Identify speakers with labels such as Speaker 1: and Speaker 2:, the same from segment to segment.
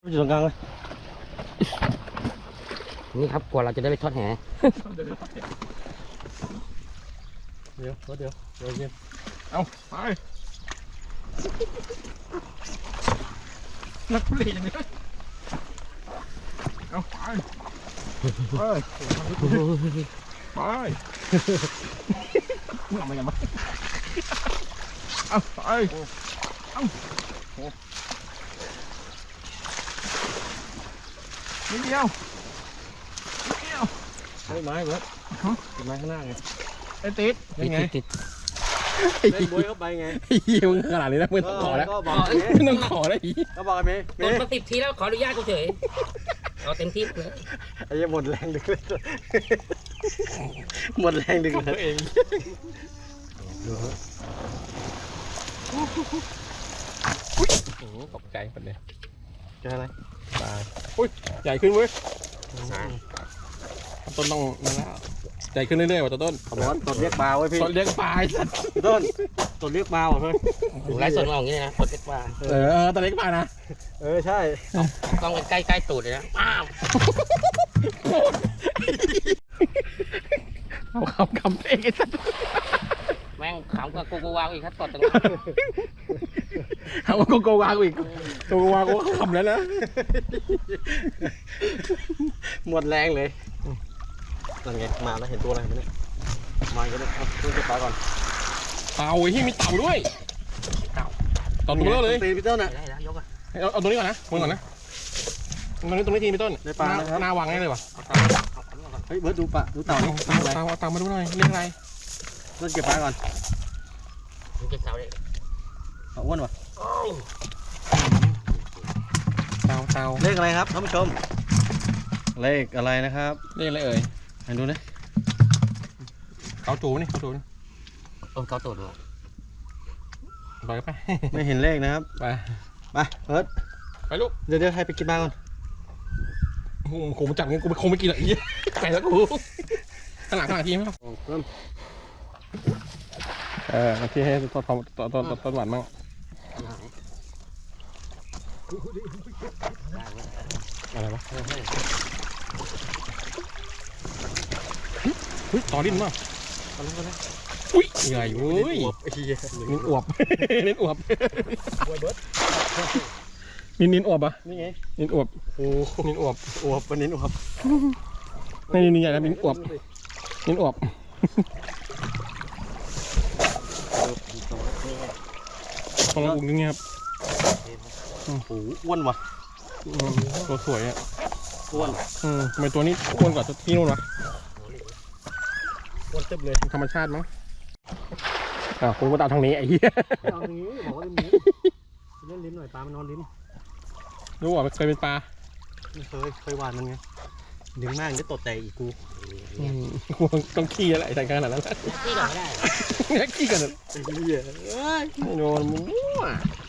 Speaker 1: อยู่ตรงกลางเลย
Speaker 2: นี่ครับกว่าเราจะได้ไปทอดแห
Speaker 1: เดี๋ยวเย็นเอาไปนักเล่นอย่างนี้เอาไปไปมึงเอามาอย่างไรเอาไปเอานิดเดียวไม้เบิร์ดไม้ข้างหน้าไงไอ้ติดยังไง
Speaker 2: ติด
Speaker 1: เล่นบวยเข้าไปไงมึงขนาดนี้นะมึงต้องขอแล้วมึงต้องขอแล้วอีก็บอกไอ้เมย์
Speaker 2: โดนมา10 ทีแล้วขออนุญาตกูเฉยเอาเต็มที่เลย
Speaker 1: ไอ้ยังหมดแรงดึกเลยหมดแรงดึกเลยเองโอ้โหตกใจคนเนี้ยเจออะไรปลาอุ้ยใหญ่ขึ้นเว้ยต้นต้องนั่นแล้วใหญ่ขึ้นเรื่อยๆว่ะต้นต้นเรียกปลาไว้พี่ต้นเรียกปลาต้นเรียกปลาว่ะเพื่อน
Speaker 2: ไล่ส่วนมองอย่างนี้นะต้นเล็กปลา
Speaker 1: ต้นเล็กปลานะใช่
Speaker 2: ต้องใกล้ตูดเลยนะ
Speaker 1: เอาคำเองไอ้สัตว์
Speaker 2: แม่งขำกับกูวางอีกครับตอนนี้
Speaker 1: เอาโกวางอีกโกวางกูขำแล้วนะหมดแรงเลยนั่นไงมาแล้วเห็นตัวอะไรไหมเนี่ยมาก็ได้ครับช่วยเก็บปลาก่อนเต่าที่มีเต่าด้วยเต่าตัวเลยตีพี่ต้นอ่ะเอาตัวนี้ก่อนนะมึงก่อนนะตรงนี้ทีพี่ต้นในปลาหน้าวางได้เลยวะเฮ้ยเบิร์ดดูปลาดูเต่านี่เต่ามาดูหน่อยเรียกอะไรต้นเก็บปลาก่อน
Speaker 2: เก็บเต่าเลย
Speaker 1: อ้วนวะเต่าเลขอะไรครับท่านผู้ชมเลขอะไรนะครับเลขอะไรเอ่ยให้ดูนะเขาจูนี่
Speaker 2: เขาตูด
Speaker 1: ไปไม่เห็นเลขนะครับไปเอิร์ธไปลูกเดี๋ยวให้ไปกินบ้างก่อนคงมาจับงั้นกูคงไม่กินหรอกอีไปแล้วกูขนาดทีมั้ยที่ให้ต้นหวานมั่งอะไรวะต่อดิ้นมั้งอุ้ยใหญ่เว้ยนิ้นอวบนิ้นอวบนิ้นอวบอ่ะนี่ไงนิ้นอวบโอ้นิ้นอวบเป็นนิ้นอวบนี่ใหญ่แล้วนิ้นอวบของเราอุ้งยังไงครับโอ้โหอ้วนว่ะตัวสวยอ่ะอ้วนทำไมตัวนี้อ้วนกว่าที่นู่นวะอ้วนเต็มเลยธรรมชาติมั้งคุณก็ตามทางนี้ไอ้เหี้ยตามทางนี้บอกว่าเล่นลิ้นหน่อยปลามันนอนลิ้นรู้ว่าเคยเป็นปลาเคยหวานมันไงดึงมากจะตดแต่อีกกูต้องขี้อะไรแต่ขนาดนั้น
Speaker 2: ขี้ก่อนไม่
Speaker 1: ได้ขี้กันไอ้เหี้ยไม่โดนมึงมั่ว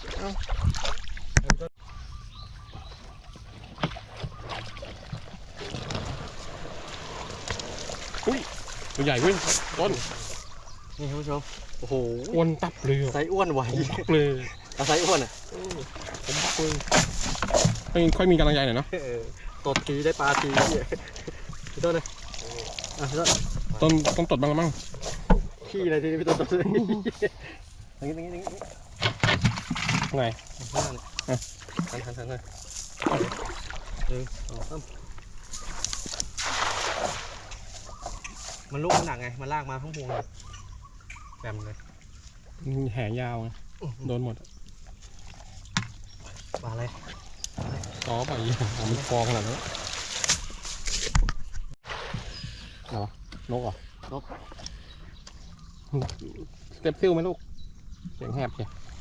Speaker 1: อุ้ยตัวใหญ่เว้ยต้นนี่ท่านผู้ชมโอ้โหอ้วนตับเลยไซอ้วนไหวเลยไซอ้วนอ่ะผมบักเลยค่อยมีกำลังใจหน่อยเนาะตดทีได้ปลาทีพี่ต้นเลยต้นต้องตดบ้างละมั้งขี้อะไรทีนี้พี่ต้นตดอย่างนี้ไงทันเลยมันลูกมันหนักไงมันลากมาทั้งพวงเลยแบมเลยแหยาวไงโดนหมดปลาอะไรต่อไปมันฟองขนาดนี้อะไรวะนกเหรอนกสเต็ปซิลไหมลูกเสียงแหบใช่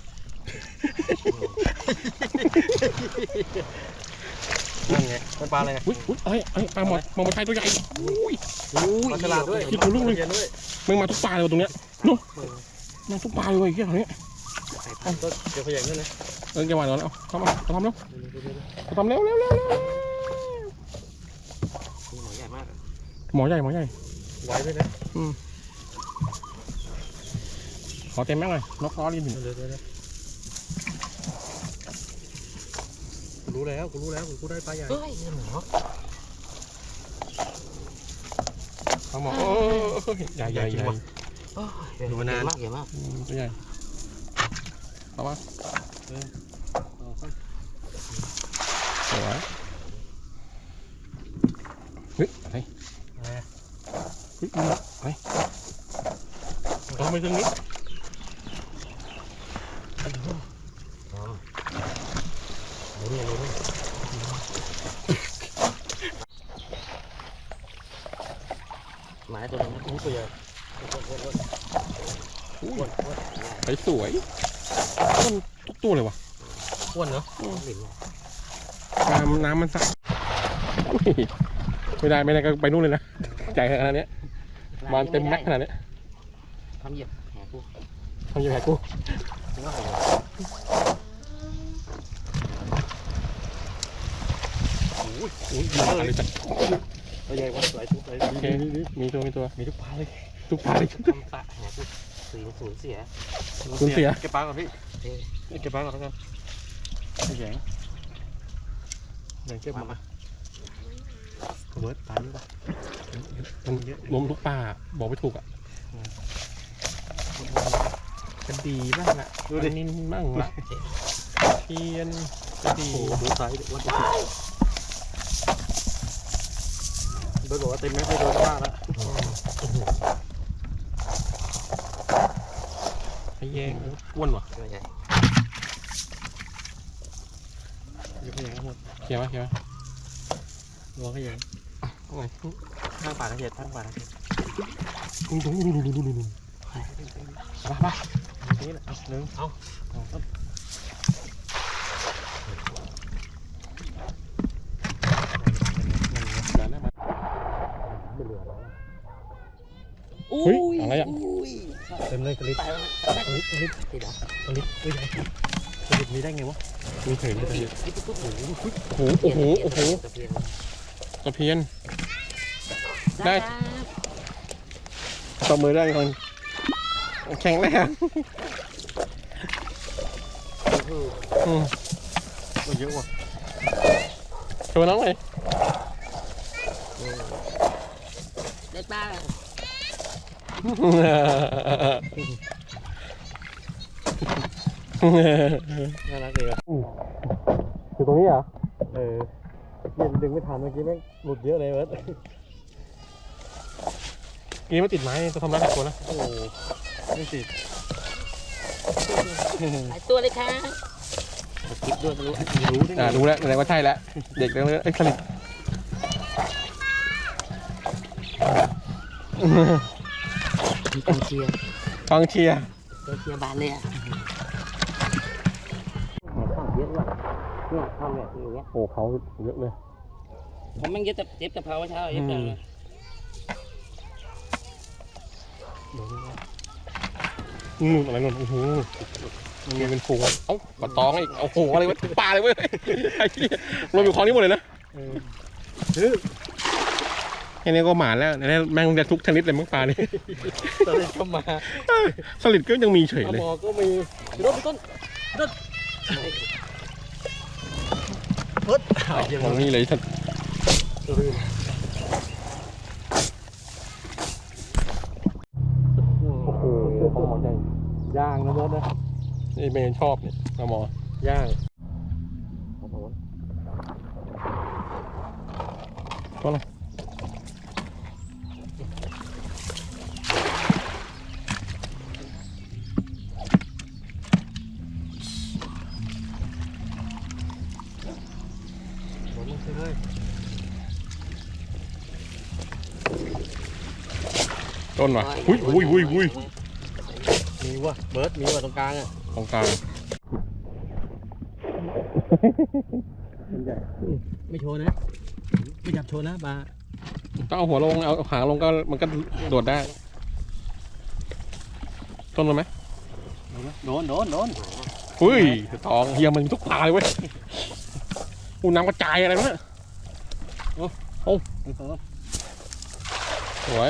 Speaker 1: นั่นไงมันปลาอะไรอุ้ยปลาหมดมองมาไทยตัวใหญ่ปลาฉลาดด้วยที่กูลูกเลยมึงมาทุกปลาเลยตรงเนี้ยนู้มาทุกปลาเลยแค่ตรงนี้เดี๋ยวขยันด้วยนะแกวางแล้วทำเร็วหมอใหญ่มากหมอใหญ่ไวด้วยนะขอเต็มแม็กเลยนกล้อลิ้นดูรู้แล้วกูได้ปลาใหญ่
Speaker 2: เฮ้ยหมอ
Speaker 3: เอาหมอใหญ่
Speaker 2: ดูมานานมากใหญ่มาก
Speaker 3: ตัวใหญ่เอาวะสวยเฮ้ยอะไรเฮ้ยอะไรเอาไปตรงนี้
Speaker 2: หมายตัวนี้ตัวใหญ่
Speaker 3: ไปสวยทุกตัวเลยวะ
Speaker 1: อ้วนเนาะ
Speaker 3: น้ำมันสักไม่ได้ก็ไปนู่นเลยนะใจขนาดนี้มันเต็มแม็กขนาดนี้
Speaker 2: ทำเหยียบแหกู
Speaker 3: ทำยังไงกูอะไรจัด
Speaker 1: ตัวใหญ่วะหลายตัวเลย
Speaker 3: โอเคมีตัว
Speaker 1: มีทุกปลาเลย
Speaker 3: ทุกปลาเลย
Speaker 2: ทำปะแหกูสูญเสีย
Speaker 3: คุณเสีย
Speaker 1: เก็บปลาก่อนพี่เก็บปลาก่อนแล้วกันแข็งเก็บมาเบิร์ดปลาเยอะป่ะ
Speaker 3: มันล้มทุกปลาบอกไม่ถูกอ่ะกระดีบ้างละดูดินินบ้างละเทียนกระดี
Speaker 1: โอ้โหดูไซส์วันที่เบิร์ดบอกว่าเต็มแม็กซ์ไม่โดนมากแล้ว
Speaker 3: ไอ้แยงอ้วนวะ
Speaker 2: ตัวใหญ่
Speaker 1: ยกขยงทั้งหมด
Speaker 3: เขียวไหม
Speaker 1: รวงขยงข้างป่าตะเกียบข้างป่าตะเกียบ
Speaker 3: ดูมา
Speaker 1: นี่แหละหนึ่งครับ
Speaker 3: เฮ้ยอะไรอ่ะ
Speaker 1: เต็มเลยกระลิบกระลิบ
Speaker 2: ติดเหรอก
Speaker 1: ระลิบตัวใหญ่กระลิบมีได้ไงวะ
Speaker 3: มีเฉยเลย
Speaker 2: โอ้โห
Speaker 3: ตะเพียนได้ตบมือได้คนแข็งแรง
Speaker 1: มันเยอะว่ะ
Speaker 3: โชว์น้องเลย
Speaker 2: ได้ปลา
Speaker 1: น่ารักดีว่ะ
Speaker 3: อยู่ตรงนี้เหรอ
Speaker 1: เย็นดึงไม่ทันเมื่อกี้แม่งหลุดเยอะเลยเบิร์ด
Speaker 3: กี้มันติดไม้จะทำร้ายตัวนะ
Speaker 1: โอ้ไม่ติด
Speaker 2: หลายตัวเลยค่ะคลิปด้วยรู้
Speaker 1: รู้ได้ไง
Speaker 3: รู้แล้วแสดงว่าใช่แล้วเด็กแล้วสลิด
Speaker 2: มีกองเชียร์
Speaker 3: กองเชียร์
Speaker 2: กองเชียร์บานเลยอ่ะข้าวเยอะว่ะเนี่ยข้าวแบบอย่างเงี้ย
Speaker 3: โอ้เขาเยอะเลย
Speaker 2: ผมแม่งเย็บกะเพราเช้าเย็บกันเลย
Speaker 3: อะไรนนโอ้โหมันเป็นฟูงเอ้าปลาตองอีกโอ้โหอะไรวะปลาเลยเว้ยไอ้เหี้ยรวมอยู่คลองนี้หมดเลยนะแค่นี้ก็หมาแล้วนี่แม่งจะทุกชนิดเลยมั้งปลานี่
Speaker 1: ตอนนี้ก็มา
Speaker 3: สลิดก็ยังมีเฉย
Speaker 1: เอา
Speaker 3: เลย
Speaker 1: หมอก็มีต้นเบิร์ด
Speaker 3: ของนี่เลยท่านโอ้โหปลาหมอใหญ่
Speaker 1: ย่างนะเบิร์ดนะ
Speaker 3: นี่เมย์ชอบเนี่ยปลาหมอย่าง
Speaker 1: โอ้โห
Speaker 3: ก็เลย
Speaker 1: หมดเลย
Speaker 3: ต้นว่ะอุ้ย
Speaker 1: มีว่ะเบิร์ดมีว่ะตรงกลางอ่ะ
Speaker 3: ตรงกลาง
Speaker 1: ไม่โชว์นะไม่จับโชว์นะปลา
Speaker 3: ต้องเอาหัวลงเอาหางลงก็มันก็โดดได้ต้นมันไหม
Speaker 1: โดน
Speaker 3: อุ้ยตองเฮียมันมีทุกปลาเลยเว้ยอูน้ำกระจายอะไรวะเนี่ยสวย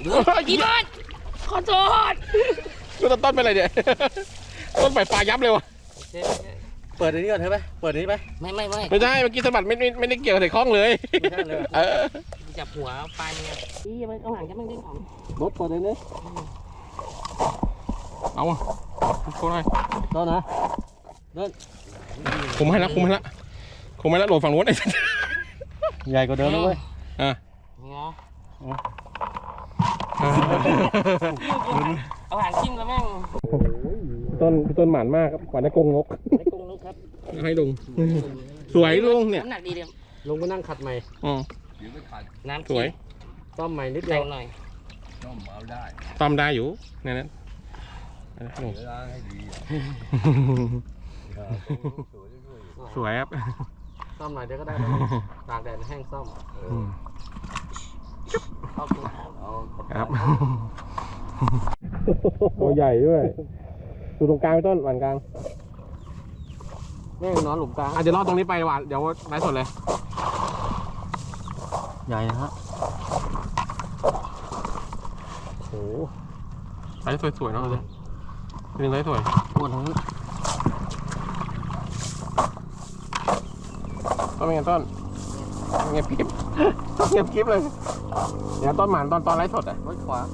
Speaker 2: พี่บอลขอโทษ
Speaker 3: ดูต้นเป็นอะไรเนี่ย ต้นใบปลายับเลยวะ
Speaker 1: เปิดอันนี้ก่อนเถอะไปเปิดอันนี้ไป
Speaker 2: ไม่
Speaker 3: ไม่ใช่เมื่อกี้สะบัดไม่ได้เกี่ยวกับใส่คล้องเลย
Speaker 1: ไม่ใช่เลย
Speaker 3: เออ
Speaker 2: จับหัวปลาเนี่ยอีมันเอาหางจะมันดึงออก
Speaker 1: รถเปิดอันนี้
Speaker 3: เอาอ่ะโค้งให้
Speaker 1: ต้นนะ
Speaker 3: คุมให้ละโหลดฝั่งนู้นไอ้
Speaker 1: ใหญ่กว่าเดิมเลย
Speaker 3: อ่ะ
Speaker 2: เนาะเอาหางจิ้มแล้วแม่ง
Speaker 3: พี่ต้นหมานมากครับหวานในกรงนก
Speaker 2: ไม่กงนกครับ
Speaker 3: ให้ลุงสวยลุงเนี่ย
Speaker 2: น้ำหนักดีเดียว
Speaker 1: ลงมานั่งขัดใหม่
Speaker 3: อ๋อ
Speaker 2: น้ำ
Speaker 3: สวย
Speaker 1: ซ่อมใหม่นิดเดี
Speaker 2: แร
Speaker 1: ยว
Speaker 2: งหน่อย
Speaker 3: ตามได้อยู่ในนั้นสวยครับ
Speaker 1: ซ่อมหน่อยเดี๋ยวก็ได้ตากแดดแห้งซ่อม
Speaker 2: ขอบคุณครับ
Speaker 3: ครับตัวใหญ่ด้วยดูตรงกลางพี่ต้นหวานกลาง
Speaker 1: แม่งนอนหลุมกลาง
Speaker 3: เดี๋ยวรอดตรงนี้ไปหวานเดี๋ยวไลฟ์สดเลย
Speaker 1: ใหญ่นะฮะ
Speaker 3: โอ้ไลฟ์สวยๆเนาะเลยเป็นไลฟ์สวย
Speaker 1: ปวดทั้งนั้น
Speaker 3: ต้นเป็นไงต้นเงียบคลิปเงียบคลิปเลยเดี๋ยวต้นหมานตอนไลฟ์สดอ่ะ
Speaker 1: รถขวา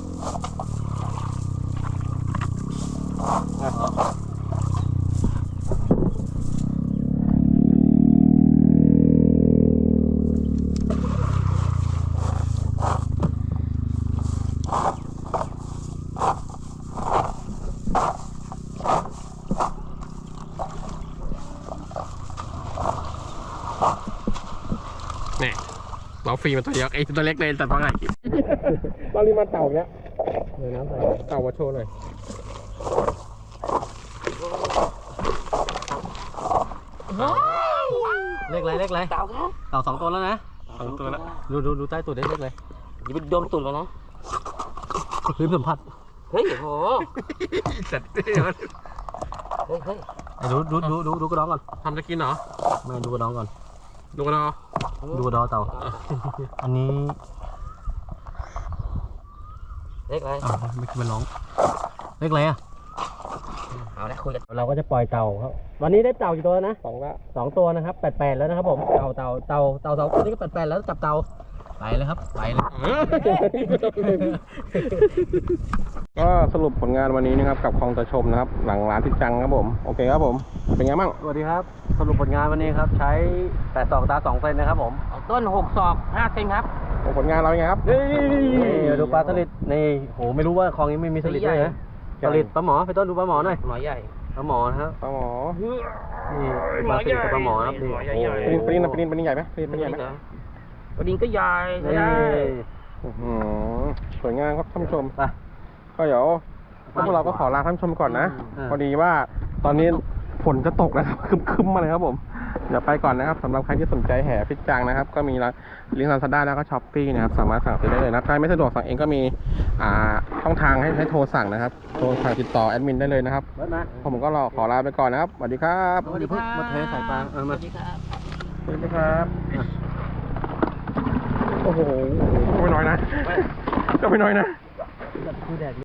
Speaker 3: เนี่ยเราฟรีมาตัวเดียวไอ้ตัวเล็กเลยแต่ตัวใหญ่ตอนนี้มาเต่าเนี้ย
Speaker 1: เดี๋ยวน้ำใส่
Speaker 3: เต่ามาโชว์หน่อย
Speaker 1: เล็กไรเล็กไร
Speaker 2: เต่าครับ
Speaker 1: เต่า2 ตัวแล้วนะ
Speaker 3: สองตัวละ
Speaker 1: ดูใต้ตัวเล็กเลย
Speaker 2: อย่าไปโดนตุ่นมันนะ
Speaker 1: พื้นสัมผัส
Speaker 2: เฮ้ยโห
Speaker 3: จัด
Speaker 2: เฮ้ย
Speaker 1: ไอ้ดูกระดองก่อน
Speaker 3: ทำจะกินเหรอ
Speaker 1: ไม่ดูกระดองก่อน
Speaker 3: ดูกันเนาะ
Speaker 1: ดูกระดองเต่า อันนี้
Speaker 2: เล็กอะไร
Speaker 1: ไม่คิดมันร้องเล็กไรอ่ะ
Speaker 2: เอาละคุยกัน
Speaker 1: เราก็จะปล่อยเต่าครับวันนี้ได้เต่ากี่ตัวนะ
Speaker 3: 2
Speaker 1: 2 ตัวนะครับ88แล้วนะครับผมเต่า2 ตัวนี้ก็88แล้วจับเต่าไปเลยครับไปเลย
Speaker 3: ก็สรุปผลงานวันนี้นะครับกับคลองตะชมนะครับหลังร้านทิศจังครับผมโอเคครับผมเป็นไงบ้าง
Speaker 1: สวัสดีครับสรุปผลงานวันนี้ครับใช้82 ตา 2 เซนนะครับผม
Speaker 2: เอาต้น6 ศอก 5 เซนครับ
Speaker 3: ผลงานเราเป็นไงครับ
Speaker 1: นี่ดูปลาสลิดนี่โหไม่รู้ว่าคลองนี้ไม่มีสลิดด้วยนะสลิดปลาหมอไปต้นดูปลาหมอหน่อย
Speaker 2: หมอใหญ่
Speaker 1: ปลาหมอนะครับ
Speaker 3: ปลาหมอ
Speaker 1: นี่ปลาสลิดกับปลาหมอครับนี่โอ้โห
Speaker 3: ปนินใหญ่ไหมปนินใหญ่ไหม
Speaker 2: วันนี้ก็ใหญ่ใช่
Speaker 1: นี่
Speaker 2: ได้
Speaker 3: สวยงามครับท่านผู้ชม
Speaker 1: ไป
Speaker 3: ก็เดี๋ยวพวกเราก็ขอลาท่านผู้ชมก่อนนะพอดีว่าตอนนี้ฝนจะตกนะครับคึมๆมาเลยครับผมเดี๋ยวไปก่อนนะครับสำหรับใครที่สนใจแห่พิจังนะครับก็มีลิงก์ Lazada แล้วก็ Shopee นะครับสามารถสั่งซื้อได้เลยนะใครไม่สะดวกสั่งเองก็มีช่องทางให้โทรสั่งนะครับโทรสั่งติดต่อแอดมินได้เลยนะครับ
Speaker 1: เบิร์ดมา
Speaker 3: ผมก็ขอลาไปก่อนนะครับสวัสดีครับ
Speaker 1: เดี๋ยวเพิ่งมาเทใส่ปลา
Speaker 2: สวั
Speaker 1: มา
Speaker 2: สดีครับ
Speaker 3: สวัสดีครับโอ้โหก็ไม่น้อยนะ
Speaker 1: คือแดด